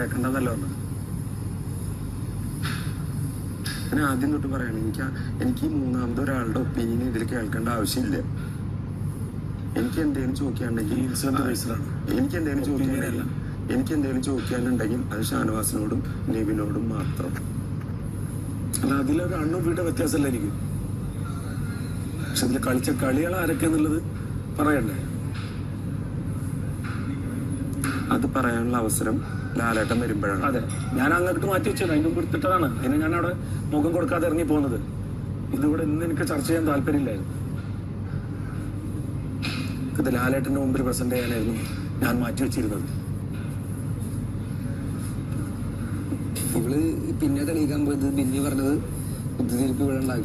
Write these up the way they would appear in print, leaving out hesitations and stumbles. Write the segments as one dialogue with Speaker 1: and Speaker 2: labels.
Speaker 1: കേൾക്കണ്ടെന്നല്ലോ ഞാൻ ആദ്യം തൊട്ട് പറയണം. എനിക്ക് മൂന്നാമത് ഒരാളുടെ ഒപ്പീനിയൻ ഇതിൽ കേൾക്കേണ്ട ആവശ്യമില്ല. എനിക്ക് എന്തെങ്കിലും ചോദിക്കാനുണ്ടെങ്കിൽ എനിക്ക് എന്തെങ്കിലും ചോദിക്കാനുണ്ടെങ്കിൽ അത് ഷാനവാസിനോടും നിവിനോടും മാത്രം.
Speaker 2: അല്ല, അതിലൊരു അണ്ണുപിയുടെ വ്യത്യാസമല്ല എനിക്ക്. പക്ഷെ അതിൽ കളിച്ച കളികൾ ആരൊക്കെയാന്നുള്ളത് പറയണ്ടേ?
Speaker 1: അത് പറയാനുള്ള അവസരം ലാലേട്ടൻ വരുമ്പോഴാണ്.
Speaker 2: അതെ, ഞാൻ അങ്ങോട്ട് മാറ്റി വെച്ചത്, അതിന്റെ മുമ്പ് എടുത്തിട്ടതാണ്. അതിന് ഞാൻ അവിടെ മുഖം കൊടുക്കാതെ ഇറങ്ങി പോകുന്നത്. ഇതിവിടെ ഇന്ന് എനിക്ക് ചർച്ച ചെയ്യാൻ താല്പര്യമില്ലായിരുന്നു. ഇത് ലാലേട്ടന്റെ മുമ്പിൽ പ്രസന്റ് ചെയ്യാനായിരുന്നു ഞാൻ മാറ്റി വെച്ചിരുന്നത്.
Speaker 3: ഇവള് പിന്നെ തെളിയിക്കാൻ പോയത് ബിന്നി പറഞ്ഞത് ബുദ്ധിതിരിപ്പ് ഇവിടെ ഉണ്ടാക്കി.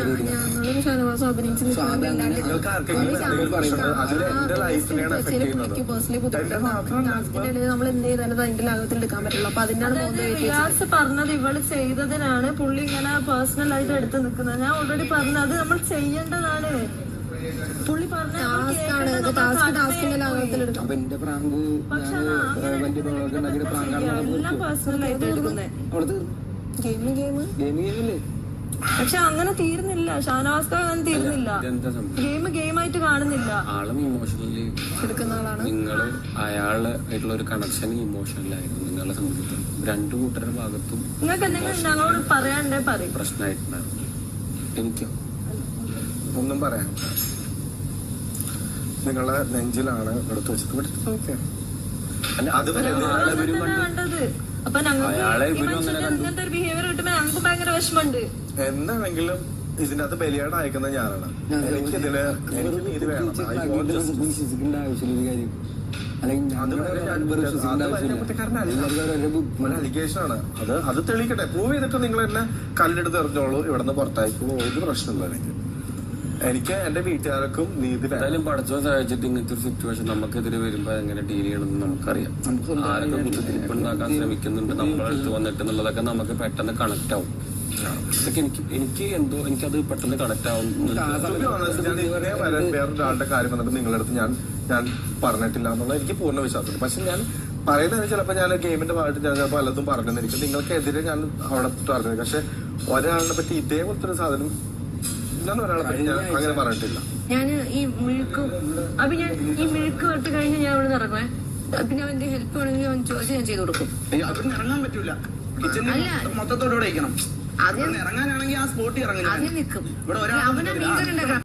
Speaker 4: പറഞ്ഞത് ഇവള് ചെയ്തതിനാണ് പുള്ളി ഇങ്ങനെ പേഴ്സണൽ ആയിട്ട് എടുത്ത് നിൽക്കുന്നത്. ഞാൻ ഓൾറെഡി പറഞ്ഞത് അത് നമ്മൾ ചെയ്യേണ്ടതാണ്. പുള്ളി
Speaker 3: അപ്പൊ എന്റെ പ്രാങ്ക്
Speaker 4: എല്ലാം പേഴ്സണൽ ആയിട്ട് എടുക്കുന്നത്.
Speaker 3: ഗെയിമല്ലേ?
Speaker 4: പക്ഷെ അങ്ങനെ തീർന്നില്ല. ഷാനവാസ് അങ്ങനെ തീർന്നില്ല. ഗെയിമായിട്ട് കാണുന്നില്ല.
Speaker 5: ആളും ഇമോഷണലി
Speaker 4: എടുക്കുന്ന ആളാണ്.
Speaker 5: നിങ്ങൾ അയാളായിട്ടുള്ള ഒരു കണക്ഷൻ ഇമോഷണലായിരുന്നു നിങ്ങളെ സംബന്ധിച്ച്. രണ്ടു കൂട്ടരുടെ ഭാഗത്തും
Speaker 4: നിങ്ങൾക്ക് എന്തെങ്കിലും ഞങ്ങളോട് പറയാണ്ടേ പറയും.
Speaker 5: പ്രശ്നമായിട്ടുണ്ടായിരുന്നു. എനിക്കോ
Speaker 1: ഒന്നും പറയാം. നിങ്ങളെ നെഞ്ചിലാണ് എടുത്തു വെച്ചത്. ഓക്കെ,
Speaker 4: കണ്ടത്. അപ്പൊ ഇങ്ങനത്തെ ഒരു ബിഹേവിയർ കിട്ടുമ്പോ ഞങ്ങൾക്ക് ഭയങ്കര വിഷമമുണ്ട്.
Speaker 1: എന്താണെങ്കിലും ഇതിന്റെ അകത്ത് ബലിയാട് അയക്കുന്നത് ഞാനാണ്. എനിക്കിതില് നീതി വേണം.
Speaker 3: വിശ്വസിക്കേണ്ട ആവശ്യമില്ല കാര്യം.
Speaker 1: അലിഗേഷൻ ആണ് അത് തെളിയിക്കട്ടെ. പ്രൂവ് ചെയ്തിട്ട് നിങ്ങൾ എന്നെ കല്ലെടുത്ത് എറിഞ്ഞോളൂ, ഇവിടെ നിന്ന് പുറത്തായിക്കോളൂ. ഒരു പ്രശ്നമില്ല. എനിക്ക് എന്റെ വീട്ടുകാർക്കും നീതി
Speaker 5: എന്തായാലും പഠിച്ചോ സഹായിച്ചിട്ട് ഇങ്ങനത്തെ ഒരു സിറ്റുവേഷൻ നമുക്കെതിരെ വരുമ്പോ എങ്ങനെ ഡീൽ ചെയ്യണമെന്ന് നമുക്കറിയാം. ആരൊക്കെ ബുദ്ധിമുട്ട് ഉണ്ടാക്കാൻ ശ്രമിക്കുന്നുണ്ട് നമ്മളടുത്ത് വന്നിട്ട് എന്നുള്ളതൊക്കെ നമുക്ക് പെട്ടെന്ന് കണക്ട് ആവും. ഇതൊക്കെ എനിക്ക് എന്തോ എനിക്കത് പെട്ടെന്ന് കണക്ട് ആവുന്നുണ്ട്.
Speaker 1: വേറൊരാളുടെ കാര്യം വന്നിട്ട് നിങ്ങളുടെ അടുത്ത് ഞാൻ പറഞ്ഞിട്ടില്ല എന്നുള്ള എനിക്ക് പൂർണ്ണ വിശ്വാസമുണ്ട്. പക്ഷെ ഞാൻ പറയുന്നത് ചിലപ്പോൾ ഞാൻ ഗെയിമിന്റെ ഭാഗത്ത് ഞാൻ ചിലപ്പോൾ പലതും പറഞ്ഞിരിക്കും. നിങ്ങൾക്കെതിരെ ഞാൻ അവിടെ പറഞ്ഞത്. പക്ഷെ ഒരാളിനെ പറ്റി ഇതേപോലത്തെ ഒരു സാധനം ഒരാളെ പറ്റി ഞാൻ അങ്ങനെ പറഞ്ഞിട്ടില്ല.
Speaker 4: ഞാൻ ഈ മിഴുക്ക് വെട്ട് കഴിഞ്ഞ് ഞാൻ ഇവിടെ ഇറങ്ങുവേ. പിന്നെ അവന്റെ ഹെൽപ്പ് വേണമെങ്കിൽ അവൻ ചോദിച്ചാൽ ഞാൻ ചെയ്ത് കൊടുക്കും.
Speaker 6: ഇറങ്ങാൻ പറ്റൂല. മൊത്തത്തോടെ ഇരിക്കണം. ഇറങ്ങാനാണെങ്കിൽ ആ സ്പോട്ടിൽ ഇറങ്ങും.
Speaker 4: അതിൽ നിൽക്കും.
Speaker 6: ഇവിടെ ഒരാൾ